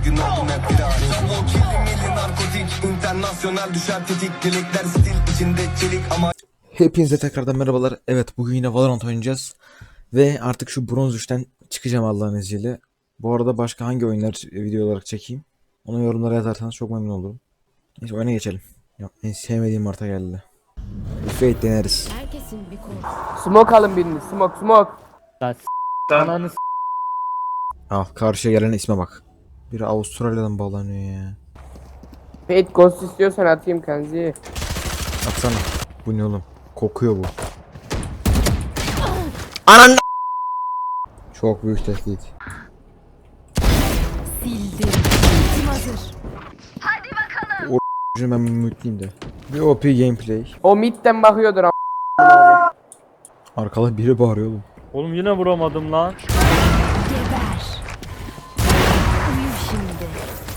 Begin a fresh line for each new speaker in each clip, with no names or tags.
gün oldum hep viral. O kirli milli narkotik, internasyonel düşer tetik. Dilekler stil içinde çelik ama...
Hepinize tekrardan merhabalar. Evet, bugün yine Valorant oynayacağız. Ve artık şu bronz 3'ten çıkacağım Allah'ın izniyle. Bu arada başka hangi oyunlar video olarak çekeyim? Onu yorumlara yazarsanız çok memnun olurum. Neyse oyuna geçelim. Ya, en sevmediğim harita geldi. Fate deneriz.
Herkesin bir korkusu.
Smoke alın birini. Smoke.
Ananı
Ah, karşıya gelen isme bak. Biri Avustralya'dan bağlanıyor ya.
Fate Ghost istiyorsan atayım Kenzi.
Atsana. Bu ne oğlum? Kokuyor bu. Anan. Çok büyük tehdit.
Sildim. Kim hazır?
Şimdi ben mutluyum de. Bir OP gameplay.
O midden bakıyordur ama.
Arkada biri bağırıyor oğlum.
Oğlum yine vuramadım lan.
Geber. Uyu şimdi.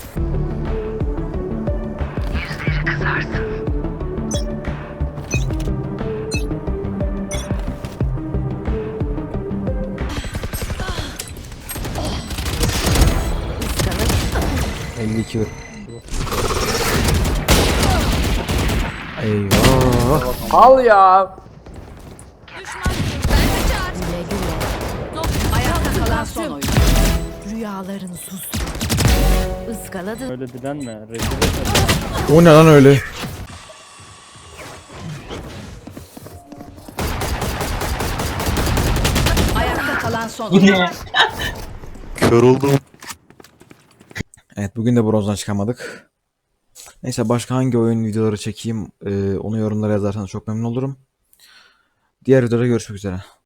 Yüzleri
52 vur. Eyvah.
Al ya.
güle güle. Ayakta kalan son oyun. Rüyalarını sustur. Iskaladı.
Öyle dilenme. Rezil etme.
O ne lan öyle?
Ayakta kalan son oyun.
Kör oldum.
Evet, bugün de bronzdan çıkamadık. Neyse, başka hangi oyun videoları çekeyim onu yorumlara yazarsanız çok memnun olurum. Diğer videoda görüşmek üzere.